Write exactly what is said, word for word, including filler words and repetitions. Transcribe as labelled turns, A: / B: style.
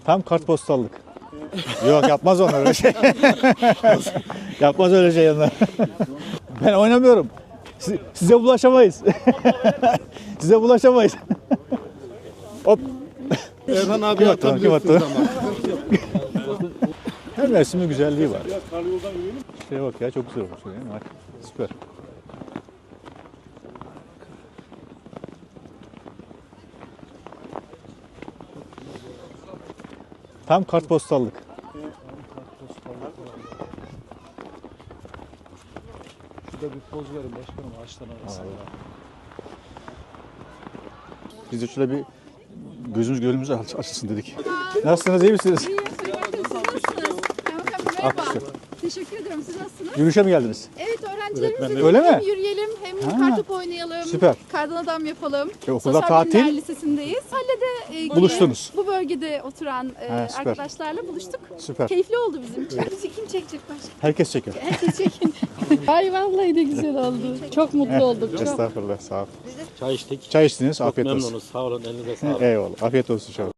A: Tam kartpostallık. Yok yapmaz onlar öyle şey. Yapmaz öyle şey onlar. Ben oynamıyorum. Siz- size bulaşamayız. Size bulaşamayız. Hop.
B: Erhan abi
A: Kim attı onu, kim attı
B: atabilirsiniz
A: onu?
B: ama.
A: Her mevsimin güzelliği var. Şuraya bak ya, çok güzel olmuş. Yani. Bak, süper. Tam kartpostallık.
B: Şurada bir poz verin başkanım ağaçtan arasında.
A: Biz de şöyle bir gözümüz gönlümüz aç- açılsın dedik. Nasılsınız, iyi misiniz?
C: İyiyim, teşekkür ederim. Siz nasılsınız? Kaymakam Bey, merhaba.
A: Akışıyor.
C: Teşekkür ederim. Siz nasılsınız?
A: Yürüyüşe mi geldiniz?
C: Evet, öğrencilerimizle
A: Öyle
C: hem
A: mi?
C: yürüyelim hem
A: Ha.
C: kartopu oynayalım.
A: Süper.
C: Kardan adam yapalım.
A: E, okulda
C: Sosyal Bilimler
A: tatil.
C: Lisesindeyiz. Halle'de e,
A: Buluştunuz.
C: Bu bölgede oturan e,
A: Ha, süper.
C: arkadaşlarla buluştuk.
A: Süper.
C: Keyifli oldu bizim için. Kim çekecek başka?
A: Herkes çekiyor.
C: Herkes çekin.
D: Ay vallahi de güzel oldu. Çok mutlu olduk. Çok.
A: Estağfurullah, sağ ol.
E: Çay içtik.
A: Çay içtiniz,
E: Çok
A: afiyet olsun.
E: memnunuz. Sağ olun. Elinize sağlık.
A: Eyvallah, afiyet olsun inşallah.